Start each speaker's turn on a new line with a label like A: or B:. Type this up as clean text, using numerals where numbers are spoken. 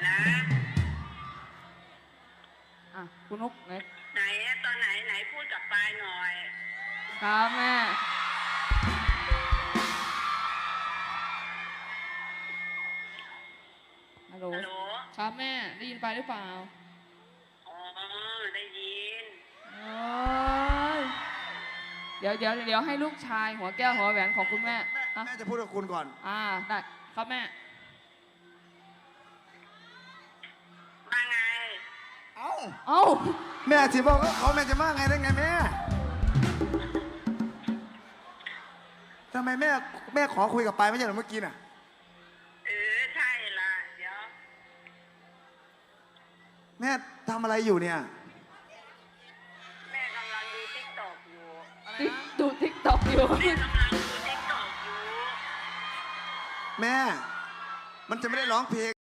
A: นะ
B: คุณนุกไหน
A: ตอนไหนพูดกับปายหน่อย
B: ครับแม่ฮัลโหลครับแม่ได้ยินไปหรือเปล่า
A: อ๋อได้ยิน
B: เดี๋ยวให้ลูกชายหัวแก้วหัวแหวนของคุณแม่
C: แม่จะพูดกับคุณก่อน
B: ได้ครับแม่
A: มาไง
C: เอ้า
B: เอ้า
C: แม่ที่บอกว่าเขาแม่จะมาไงได้ไงแม่ทำไมแม่ขอคุยกับปายไม่ใช่เหรอเมื่อกี้น่ะ
A: ใช่ละเดี๋ยว
C: แม่ทำอะไรอยู่เนี่ย
A: แม่กำลังดูติ๊กต็อกอยู่
B: ดูติ๊กต็อกอยู่
A: แม่กำลังดูติ๊กต็อกอยู่
C: แม่มันจะไม่ได้ร้องเพลง